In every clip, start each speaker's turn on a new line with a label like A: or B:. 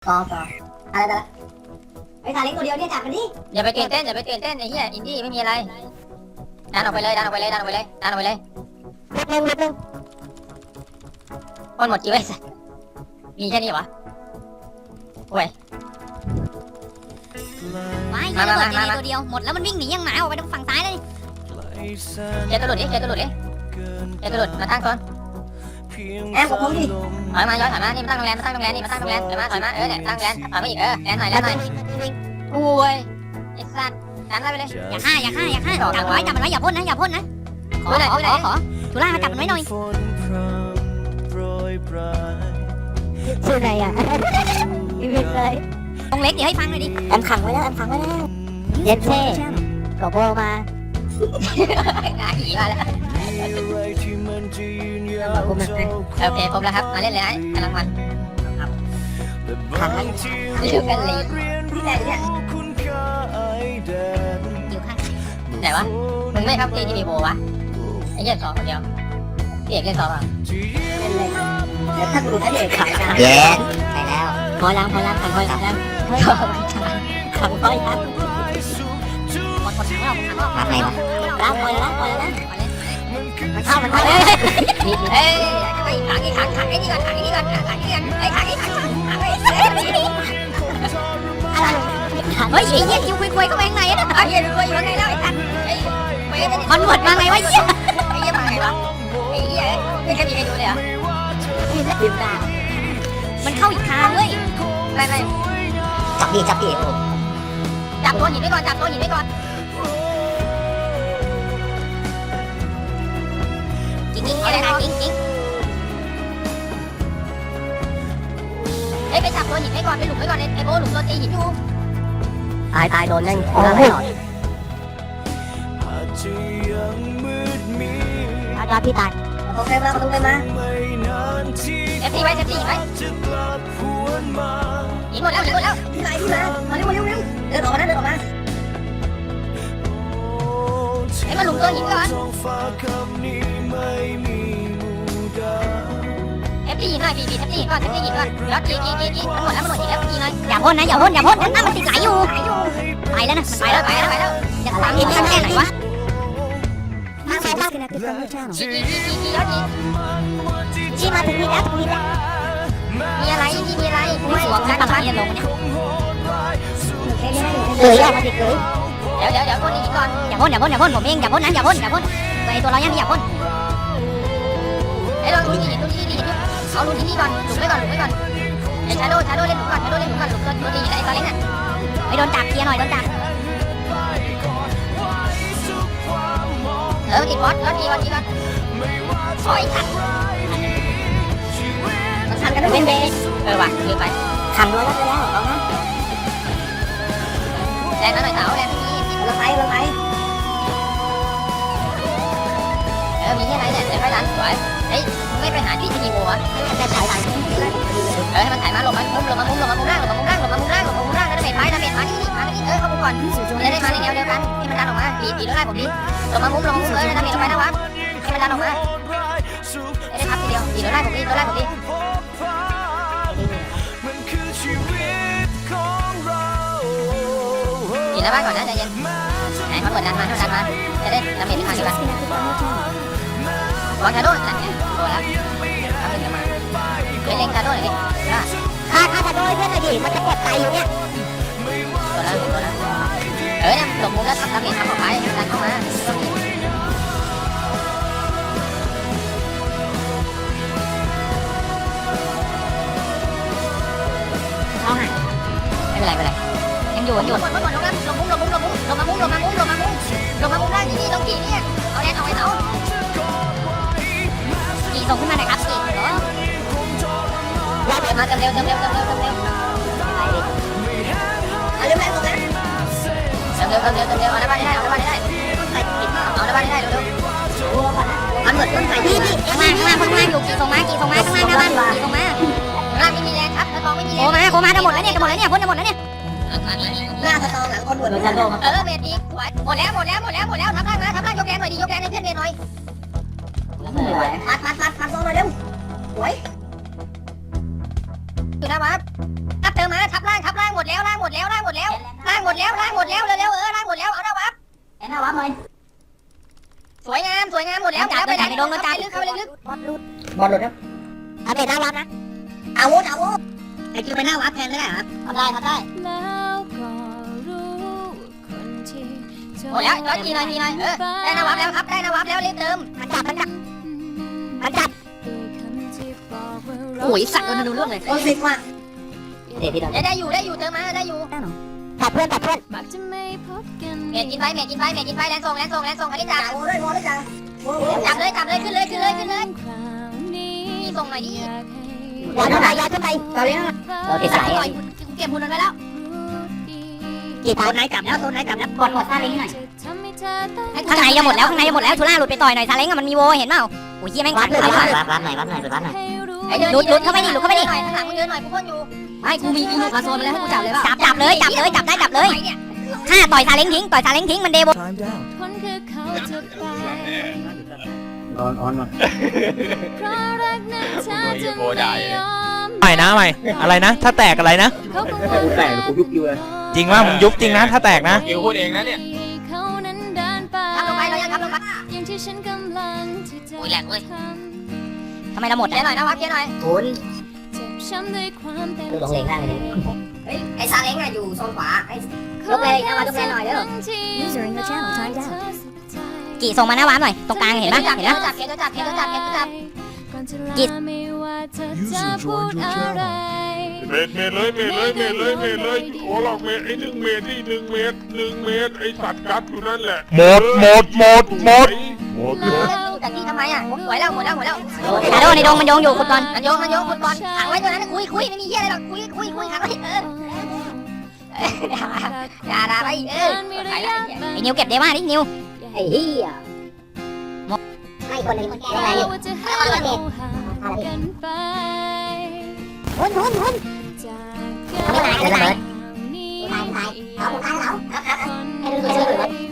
A: ต่ออะไรไอ้ตาเล็กตัวเดียวเนี่ยจับมันดิ
B: อย่าไปตื่นเต้นไอ้เหี้ยอินดี้ไม่มีอะไรดันออกไปเลย
A: เร็ว
B: คนหมดจีไว้สัสมีแค่นี้วะโว้ย
C: ไม่ใช่ระเบิดเจดีตัวเดียวหมดแล้วมันวิ่งหนียังหมาออกไปทางฝั่งซ้ายเลย
B: เจตัวหลุดมาตั้งก่อน
A: แอมกับผมดิ
B: ถอยมาย้อนถอยมานี่มาตั้งโรงแรมถอยมาเนี่ยตั้งโรงแรมถอยมาอีกแลนหน่อยโอ้ยไอ้สัตว์ดันไปเลย
C: อย่าฆ่าจับมันไว้อย่าพ่นนะขอทุล่ามาจับมันไว้หน่อย
A: ชื่ออะไรอ่ะอีเวนต์เลย
C: ตรงเล็กเดี๋ยวให้ฟังหน่อยดิ
A: แอมขังไว้แล้วเย็นเช่กบโบมา
B: หาผีมาแล้วโอเคครบแล้วครับมาเล่นเลยกำลังมัน
A: ขังแล้ว
B: ดูกันเลย
A: ที่ไหนเนี่ย
C: อยู่ข้าง
B: ไหนวะมึงไม่ครับที่มีโบวะไอ้เหี้ยสองคนเดียวพี่เอกเล่นสองอ่ะ
A: เดี๋ยวถ้ากูดูถ้าเด็กขังนะ
B: เย้ไปแล้ว
A: พอแล้วขังแล้วขังแล้ว
C: หมดขังแล้ว
A: รับไงวะรับปล่อยแล้วมันเข้า
B: เอ้ยขังไอ้นี่ก่อนไอ้ขังไอ้
C: เฮ้ยไอ้เหี้ยคิวคุยเข้าไปข้างในนะ
B: ไอ้เหี้ยรู้อยู่ข้างในแล้วไอ้สัตว์ไอ้
C: มันหมดมาไงวะเหี้ย
B: เหี้ยมาไงวะไอ้เหี้ยไม่เคยมีใครดูเลยเหรอ
A: ลืมตา
C: มันเข้าอีกทางเว้ย
B: ไม่
A: จับดิ
B: จับตัวหินไว้ก่อน
C: จริงอะไรนะจริง
B: เฮ้ยไปจับตัวหินไว้ก่อนไปหลุมไว้ก่อนไอ้โบหลุมตัวตีหินอยู่
A: ตายโดนนั่ง
B: โอ้ย
A: อาพี่ตายโอเคมาตรงเลยมา
B: เซฟตี้ไว้หินหมดแล้ว
A: พี่มามาเร็วเดินออกมา
B: ไอ้มาหลุมตัวหินก่อนเอฟตี้หินหน่อยบีเอฟตี้หินก่อนยอดกีมันหมดแล้วหินแล้วกีหน่อย
C: อย่าพ่นนะมันติดไหลอยู่ไปแล้วนะมันไปแล้วจะตามอีกแค่ไหนวะ
B: กียอดกี
A: พี่มาถึงนี่แล้ว
B: มีอะไรกูสวม
C: ก
B: กั
C: ระ
B: น
C: บะเนี่ยลงเนี่ย
A: เลยออกมาดิเลย
B: เดี๋ยวคนนี้ก่อน
C: อย่าพ่นผมเองอย่าพ่นตัวเรายังอย่าพ่น
B: ไอ้ลองดูหินเอาดูที่นี่ก่อนหลุมไว้ก่อนไอ้ชาโดเล่นหลุมก่อนหลุมตัวตีไอ้ตัวเล็กน่ะ
C: ไปโดนจับเคลียร์หน่อยโดนจับ
B: ติดบอสยอดกีก่อนโอ้ยขัด
A: มันทันกันเป็นเบส
B: ว่ะลืมไป
A: ขังรั้วแล้วไปแล้วเอานะ
B: แรงหน่อยเต๋าแรงไม่มี
A: เราไป
B: มีแค่ไหนเนี่ยเดี๋ยวค่อยดันสวยเฮ้ยมึงไม่ไปหาที่มีโบวะ
A: แต่ถ่ายหลัง
B: ให้มันถ่ายมาหลบมามุมล่างแล้วได้เมทมานี่เข้ามุมก่อนจะได้มาในแนวเดียวกันให้มันดันออกมาปีแล้วไล่ผมดิลงมามุมได้เมทลงไปนะวะให้มันดันออกมาได้พับทีเดียวปีแล้วไล่ผมดิปีแล้วบ้านก่อนนะใจเย็นไหนมันเปิดดันมาจะได้ดาเมจทางเดียวกันวางชาโดว์นั่นเนี่ยโดนแล้วทำหนึ่งกันมาเล็งชาโดว์หน่อยดิ
A: ฆ่าจะโดนเพื่อนเลยดิมันจะเก็บไตอยู่เนี่ย
B: โดนแล้วเนี่ยหลบมุมแล้วทำดาเมจทำออกไปดันเข้ามา
C: เอาหาย
B: ไม่เป็นไรยังอยู่ลงมุมได้ที่นี่ต้องกี่เนี่ยเอาแรงเอาไว้เต๋า
C: กี่ส่งขึ้นมาหน่อยครับกี่เหรอ
B: มาเร็ว
A: เร็วเอาได้เอาบ้านได้เร็วมันเหมือนต้นไม้ที่
C: ข้างล่างอยู่กี่ส่งมาข้างล่างหน้าบ้านกี่ส่งมา
B: ร่างไม่มีแรงครับกระตองไม่มีแรง
C: โคมาจะหมดแล้วเนี่ยพ่นจะหมดแล้วเนี่ย
A: หน้าสตองหลังคนบวชโดนจันโดมา
B: เมทีสวยหมดแล้วทับล่างยกแรงหน่อยดิยกแรงให้เพื่อนเมย์หน่อย
A: มัดลงมาเร็วสวย
B: อยู่นะวะเติมมาดแล้วล่างหมดแล้วล่างหมดแล้วล่างหมดแล้วล่างหมดแล้วเร็วๆล่างหมดแล้วเอาหน้าวับ
A: หน้าวับเลย
B: สวยงามหมดแล้วไปไหนลงเข้าไปลึก
A: บอลหลุดครับเอาเตะหน้าวับนะ
B: อาวุธ
A: ไอ้คิวไปหน้าวับแทนไม่ได้ครับทำได้
B: หมดแล้วย้อนทีหน่อยได้หน้าวับแล้วครับได้หน้าวับแล้วรีบเติม
A: มันจับ
B: โอ้ยสัตว์โดนดูเรื่องเลย
A: โอ้สิว่าเตะที่เรา
B: ได้อยู่เติมมาได้อยู่
A: ตัดเพื่อน
B: เมดกินไปแลนส่งอันนี้จับ
A: โอ้ด้วยจ้า
B: จับเลยขึ้นเลยนี่ส่งหน่อยดิ
A: ย้ายขึ้นไปตอนนี้เราติดสาย
B: เก็บหุ่นมันไว้แล้ว
A: กี่ตัวไหนจับแล้วกดหมดท่าลิงหน่อย
C: ข้างในจะหมดแล้วชูล่าหลุดไปต่อยหน่อยซาเล้งอะมันมีโวเห็นเปล่าโอ้ยเหี้ยแม่ง
A: วั
C: ขั
A: ด
C: ด
A: เลย
C: ขา
A: วัดหน่อยหน่อย
C: หลุดเข้าไปดิ
B: หน่อยข้างหลังมึงเดินหน่อยกูพ่นอยู่
C: ไม่กูมีลูกมาโซนมาแล้วให้กูจับเลยจับเลยถ้าต่อยซาเล้งทิ้งมันเดโว
D: ออนมา
E: ใหม่นะใหม่อะไรนะ ถ้าแตกอะไรนะ
D: กูแตกกูยุบอยู่เลย
E: จริงว่ามึงยุบจริงนะถ้าแตกนะ
F: คิวพูดเองนะเนี่ย
B: ทำลงไปเรายังทำลงไป
C: อุ้ยแหลกเลยทำไมเราหมด
B: เดี๋ยวหน่อยนะวับเดี๋ยวหน่อย
A: คุณ คือลงเลงได้เลย
B: เฮ้ยไอ้ซาเล้งอะอยู่โซนขวาไอ้
A: ยกเลยนะมายกเลยหน่อยเด้อ
C: กี่ส่งมาหน้าวาร์ปหน่อยตรงกลางเห็นปะ
B: จับเก็บจับ
F: เมตรเลยโอ้หลอกเมตรไอ้1 เมตรที่1 เมตรไอ้สัตว์กัดอยู่นั่นแหละหมด
B: แต่ที่ทำไมอะหมดแล้ว
C: ชาโดในดงมันโยงอยู่คุณก่อน
B: มันโยงคุณบอลขังไว้ตัวนั้นคุยไม่มีเหี้ยอะไรหรอกคุยขังไว้อย่าด่าไป
C: ไอ้นิวเก็บเดว่าดินิว
A: ไอ้เหี้ยให้คนหนึ่งอะไรอยู่หุ่นทำอะไรกันเลยเอาผมตายแล้วให้ดูชื่อ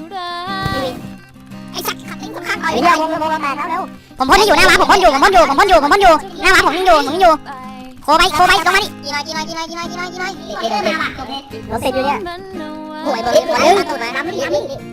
A: ไอ้สักขัดลิ้นข้างๆต่อยเดี๋ยววงแตกแล้วเร็ว
C: ผมพ่นให้อยู่หน้าวาร์ปผมพ่นอยู่หน้าวาร์ปผมยิงอยู่โคไปตรงมาดิ
A: เราเสร็จอยู่เนี่ยโอ้ยเบอร์เบอร์น้ำ